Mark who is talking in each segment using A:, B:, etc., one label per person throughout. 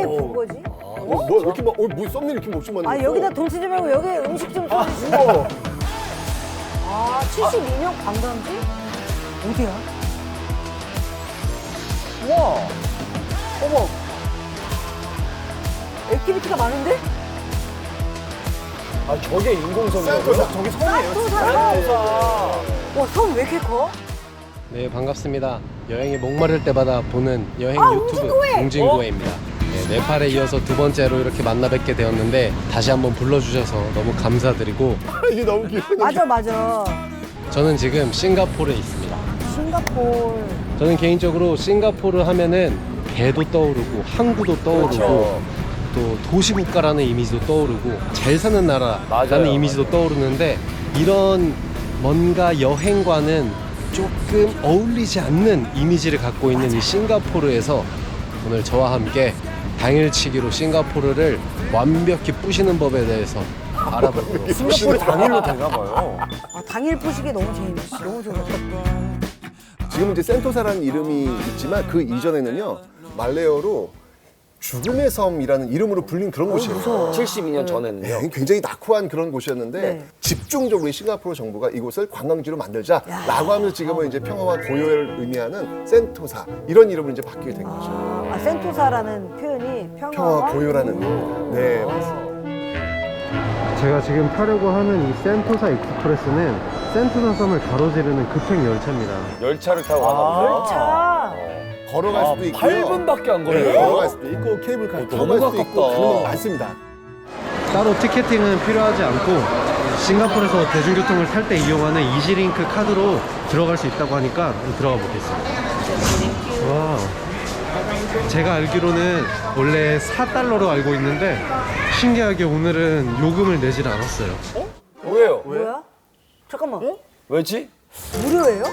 A: 게 본 거지?
B: 뭐 이렇게 막, 뭐 썸네일 이렇게 먹지 마.
A: 아, 여기다 돈 쓰지 말고 여기 음식 좀 써주시고. 아, 72명 관광지? 어디야? 우와. 어머. 액티비티가 많은데?
C: 아, 저게 인공섬이에요?
B: 저기 섬이에요.
A: 산토사. 와, 섬 왜 이렇게 커?
D: 네, 반갑습니다. 여행이 목마를 때마다 보는 여행
A: 아,
D: 유튜브
A: 웅진고해!
D: 웅진고해입니다. 네, 네팔에 이어서 두 번째로 이렇게 만나 뵙게 되었는데 다시 한번 불러주셔서 너무 감사드리고
B: 이게 너무 귀여워.
A: 맞아.
D: 저는 지금 싱가포르에 있습니다.
A: 싱가포르.
D: 저는 개인적으로 싱가포르 하면은 배도 떠오르고 항구도 떠오르고
C: 그렇죠.
D: 또 도시국가라는 이미지도 떠오르고 잘 사는 나라라는
C: 맞아요,
D: 이미지도 떠오르는데 이런 뭔가 여행과는 조금 어울리지 않는 이미지를 갖고 있는 이 싱가포르에서 오늘 저와 함께 당일치기로 싱가포르를 완벽히 부시는 법에 대해서 알아보도록
C: 싱가포르 당일로 되나 봐요.
A: 아, 당일 포식이 너무 재밌어. 너무 좋았다.
B: 지금은 이제 센토사라는 이름이 있지만 그 이전에는요 말레어로 죽음의 섬이라는 이름으로 불린 그런 곳이에요.
C: 72년 전에는요.
B: 네, 굉장히 낙후한 그런 곳이었는데
A: 네.
B: 집중적으로 이 싱가포르 정부가 이곳을 관광지로 만들자라고 하면서 지금은 이제 평화와 고요를 의미하는 센토사 이런 이름으로 이제 바뀌게 된 거죠.
A: 아, 센토사라는 표현이
B: 평화와 고요라는 의미. 네, 맞습니다.
D: 제가 지금 타려고 하는 이 센토사 익스프레스는 센토사 섬을 가로지르는 급행 열차입니다.
C: 열차를 타고 가나 보죠.
A: 열차.
B: 걸어갈 수도 있고요.
C: 8분밖에 안
B: 네,
C: 걸려요.
B: 걸어갈 수도 있고 케이블카 타고
C: 너무
B: 갈 수도 있고
C: 가깝다.
B: 그런 거 많습니다.
D: 따로 티켓팅은 필요하지 않고 싱가포르에서 대중교통을 탈 때 이용하는 이지링크 카드로 들어갈 수 있다고 하니까 들어가 보겠습니다. 와, 제가 알기로는 원래 4달러로 알고 있는데 신기하게 오늘은 요금을 내질 않았어요.
C: 왜요?
A: 뭐야? 잠깐만.
C: 왜지?
A: 무료예요?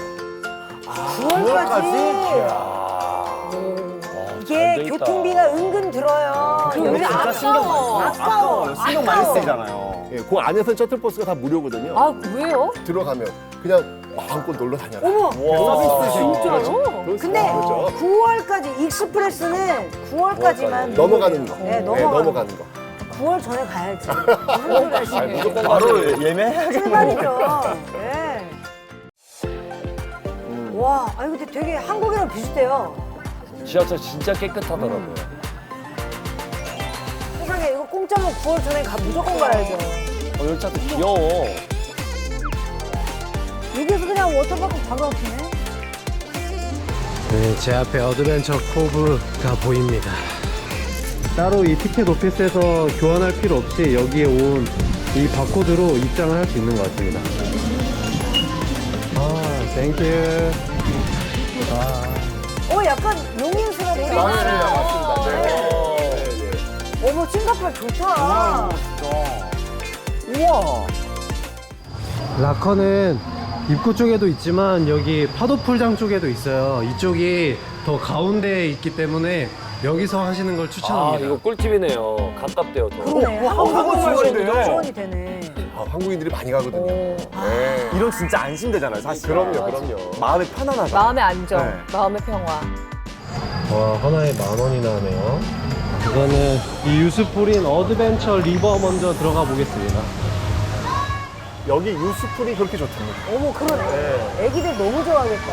A: 9월까지? 이게
C: 안 되겠다.
A: 교통비가 은근 들어요. 여기 아까워.
E: 신경 많이 쓰이잖아요.
B: 예, 그 안에서 셔틀버스가 다 무료거든요.
F: 아, 왜요?
B: 들어가면 그냥 마음껏 놀러 다녀라.
A: 어머!
B: 서비스
F: 진짜요?
A: 근데
B: 그렇죠.
A: 9월까지 익스프레스는 9월까지만
B: 넘어가는 거.
A: 네, 넘어가는
B: 거.
A: 9월 전에 가야지. 무슨 소리 하시는
C: 무조건
E: 바로 예매해야겠네요.
A: 출발이죠. 네. 와, 아니 근데 되게 한국이랑 비슷해요.
C: 지하철 진짜 깨끗하더라고요.
A: 세상에 이거 공짜면 9월 전에 무조건 가야죠.
C: 열차도 귀여워.
A: 여기서 그냥 워터파크 바로 앞이네.
D: 네, 제 앞에 어드벤처 코브가 보입니다. 따로 이 티켓 오피스에서 교환할 필요 없이 여기에 온 이 바코드로 입장을 할 수 있는 것 같습니다. 아, 땡큐.
A: 약간 용인스럽다.
B: 맞습니다. 네.
A: 어머, 싱가포르 좋다.
C: 우와.
D: 라커는 입구 쪽에도 있지만 여기 파도풀장 쪽에도 있어요. 이쪽이 더 가운데에 있기 때문에 여기서 하시는 걸
C: 아,
D: 추천합니다.
C: 이거 꿀팁이네요. 가깝대요, 더.
A: 그러네.
E: 지원이네.
A: 지원이 되네.
B: 아, 한국인들이 많이 가거든요. 네.
E: 이런 진짜 안심되잖아요, 사실.
B: 그럼요.
E: 마음이 편안하다.
F: 마음의 안정,
E: 네.
F: 마음의 평화.
D: 와, 하나에 10,000원이나 하네요. 이거는 이 유스풀인 어드벤처 리버 먼저 들어가 보겠습니다.
B: 여기 유스풀이 그렇게 좋답니다.
A: 어머, 그러네. 애기들 너무 좋아하겠다.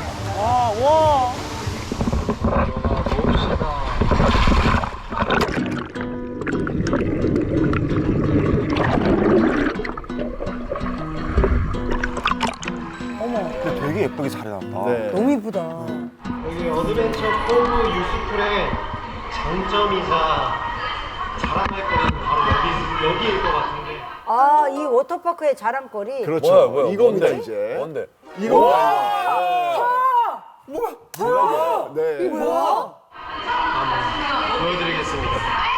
E: 근데 되게 예쁘게 잘 해놨다.
B: 네.
A: 너무 이쁘다.
D: 여기 어드벤처 코브 유스풀의 장점이자 자랑할 거리는 바로 여기일 것 같은데.
A: 아, 이 워터파크의 자랑거리.
B: 그렇죠.
C: 뭐야?
B: 이겁니다,
C: 뭔데?
B: 이제.
C: 뭔데?
B: 이거. 네.
A: 뭐야?
D: 보여드리겠습니다.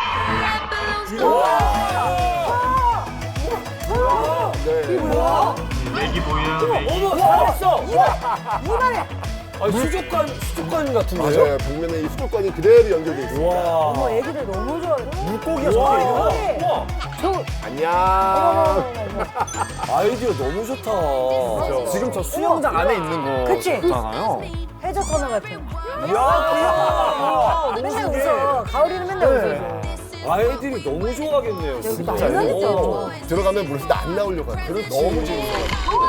B: 네.
D: 맥이 보이는 맥이.
C: 어머, 잘했어!
A: 이만해.
C: 아니, 수족관 같은데요?
B: 맞아요. 벽면에 이 수도권이 그대로 연결돼 있습니다.
C: 와.
A: 어머, 애기들 너무 좋아해.
B: 물고기가
C: 와,
B: 저렇게 있는 거.
C: 우와.
B: 안녕.
C: 아이디어 너무 좋다.
E: 지금 저 수영장 안에 있는
A: 그치?
E: 거잖아요.
A: 해저 터널 같은.
C: 이야.
A: 맨날 웃어. 가을이는 맨날 웃어줘.
C: 아이들이 너무 좋아하겠네요.
A: 여기
C: 진짜.
A: 난리나겠다.
B: 들어가면 물에서 안 나오려고 하는. 그렇지. 너무 재밌어.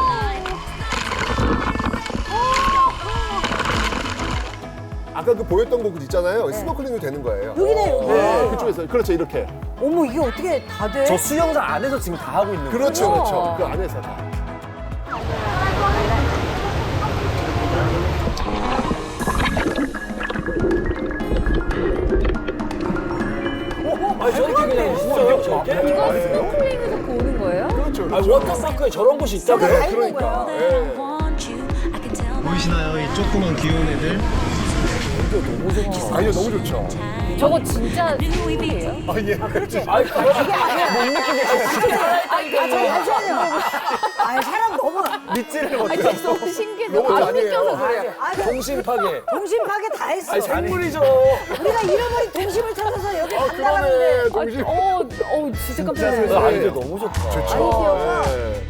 B: 아까 그 보였던 곳 있잖아요. 스노클링이 되는 거예요.
A: 여기네, 여기.
B: 네, 그쪽에서 그렇죠 이렇게.
A: 어머, 이게 어떻게 다 돼?
E: 저 수영장 안에서 지금 다 하고 있는 거예요.
B: 그렇죠, 그렇죠. 그 안에서 다.
C: 아니 저렇게 그냥 있어요 저렇게?
A: 이거 스노클링에서 보는 거예요?
B: 그렇죠,
C: 아니
B: 그렇죠.
C: 워터파크에 저런 곳이 있다고요?
A: 다 있는
B: 그러니까.
A: 거예요.
B: 예.
D: 보이시나요? 이 조그만 귀여운 애들?
B: 아니요, 너무 좋죠.
A: 저거 진짜 스노클이에요?
B: 아, 예.
A: 그렇지.
C: 아니 이게 아니야. 못 느끼게
A: 잠시만요. 아, 사람 너무
E: 믿지를 못해.
A: 너무 신기해.
B: 너무
A: 안
B: 아니에요.
A: 느껴서 그래요. 아,
C: 동심 파괴.
A: 동심 파괴 다 했어.
C: 아니 생물이죠.
A: 우리가 잃어버린 동심을 찾아서 여기
B: 그러네,
A: 간다는데.
B: 동심.
A: 진짜 깜짝 놀랐어요.
C: 아이들 너무 좋다.
A: 아이디어가.
B: 예.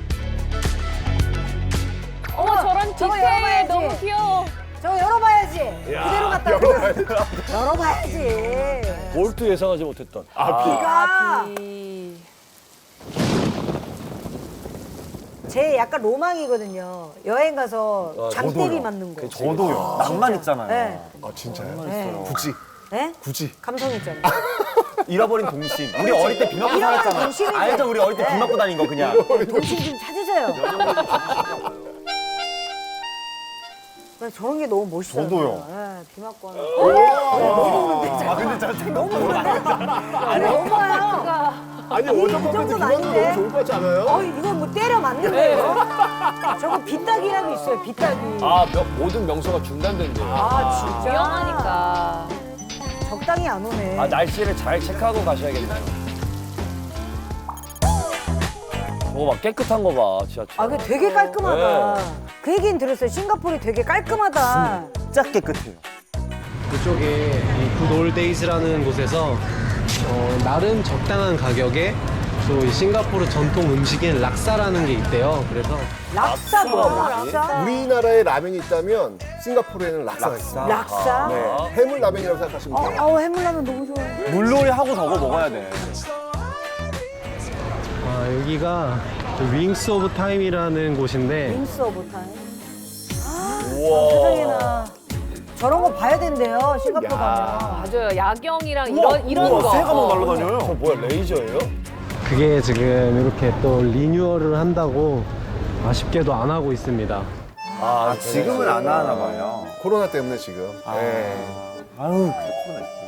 F: 어머 저런
A: 저거
F: 디테일
A: 열어봐야지.
F: 너무 귀여워.
A: 저거 열어봐야지. 그대로 갖다
B: 열어봐야지.
A: 열어봐야지.
C: 볼트 예상하지 못했던.
A: 비가 제 약간 로망이거든요. 여행 가서 장대리 맞는 거.
E: 저도요. 낭만 있잖아요.
A: 네.
B: 아, 진짜요?
A: 네.
B: 굳이,
A: 네?
B: 굳이.
A: 감성 있잖아요.
E: 잃어버린 동심. 우리 어릴 때 비 맞고
A: 잃어버린
E: 살았잖아.
A: 동심이지.
E: 알죠? 우리 어릴 때 비
A: 네.
E: 맞고 다닌 거 그냥.
A: 동심 좀 찾으세요. 난 저런 게 너무 멋있어요.
E: 저도요.
A: 네, 비 맞고 하는 거.
E: 아 근데 저
A: 너무 너무요.
B: 아니, 워터파크에서
A: 정도는
B: 비만도
A: 아닌데?
B: 너무 좋을 것 같지 않아요?
A: 이거 뭐 때려 맞는 거예요? 저거 빗따기라고 있어요, 빗따기.
C: 모든 명소가 중단된대요.
A: 진짜?
F: 위험하니까.
A: 적당히 안 오네.
C: 날씨를 잘 체크하고 가셔야겠네요. 막 깨끗한 거 봐, 지하철.
A: 그게 되게 깔끔하다.
C: 네.
A: 그 얘기는 들었어요. 싱가포르이 되게 깔끔하다.
E: 진짜 깨끗해요.
D: 그쪽에 이 굿올데이즈라는 곳에서 나름 적당한 가격에 또 이 싱가포르 전통 음식인 락사라는 게 있대요. 그래서
A: 락사 뭐야, 락사?
B: 우리나라에 라면이 있다면 싱가포르에는 락사가 있어요.
A: 락사?
B: 네. 해물 라면이라고 생각하시면 돼요.
A: 해물라면 너무 좋아해.
E: 물놀이 하고 저거 먹어야 돼.
D: 여기가 윙스 오브 타임이라는 곳인데
A: 윙스 오브 타임. 세상에나. 저런 거 봐야 된대요, 싱가포르 가면.
F: 맞아요. 야경이랑 이런
E: 우와,
F: 거.
E: 새가 막 날아다녀요.
C: 저 뭐야, 레이저예요?
D: 그게 지금 이렇게 또 리뉴얼을 한다고 아쉽게도 안 하고 있습니다.
E: 아, 지금은 안 하나 봐요.
B: 코로나 때문에 지금. 네.
E: 아유, 그때 코로나 있지.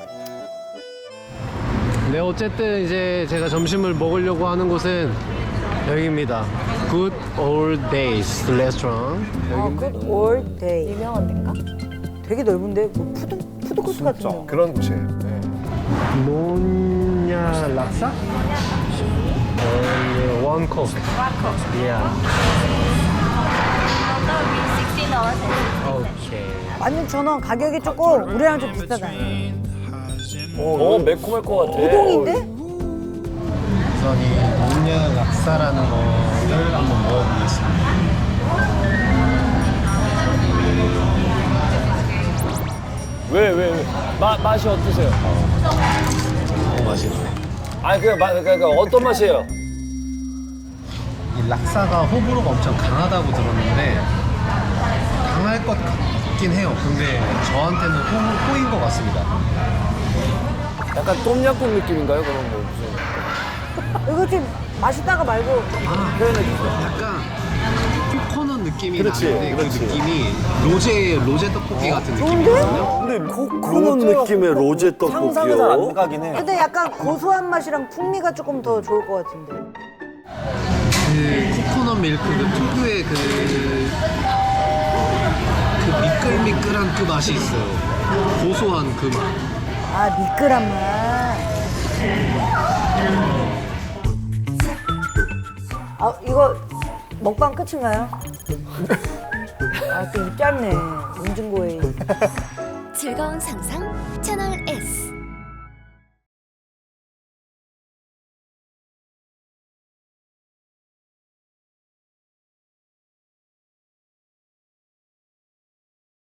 D: 네, 어쨌든 이제 제가 점심을 먹으려고 하는 곳은 여기입니다. Good Old Days Restaurant.
A: 굿 올 데이.
F: 유명한 데인가?
A: 되게 넓은데? 뭐 푸드코트 같은데.
B: 그런 곳이에요. 네.
D: 노냐 락사? 원 컵. Yeah. 오케이.
A: 16,000원. 가격이 조금 우리랑 좀 비슷하다.
C: 매콤할 것 같아.
A: 우동인데?
D: 우선 이 노냐 락사라는 거를 한번 먹어보겠습니다.
C: 왜? 맛이 어떠세요?
D: 너무 맛있네.
C: 그러니까 어떤 맛이에요?
D: 이 락사가 호불호가 엄청 강하다고 들었는데 강할 것 같긴 해요. 근데 저한테는 호인 것 같습니다.
C: 약간 똠양꿍 느낌인가요? 그런 뭐 무슨.
A: 이거 좀 맛있다가 말고.
D: 약간 코코넛 느낌이
B: 그렇지,
D: 나는데
B: 그렇지.
D: 그 느낌이 로제 떡볶이 같은
A: 좋은데?
D: 느낌이거든요.
E: 근데
C: 코코넛 느낌의 로제
E: 상상이 잘 안 가긴 해.
A: 근데 약간 고소한 맛이랑 풍미가 조금 더 좋을 것 같은데.
D: 그 코코넛 밀크 그 특유의 그 미끌미끌한 그 맛이 있어요. 고소한 그 맛.
A: 미끌한 맛. 이거 먹방 끝인가요? 또 입 짧네. 음중고에.
G: 즐거운 상상 채널 S.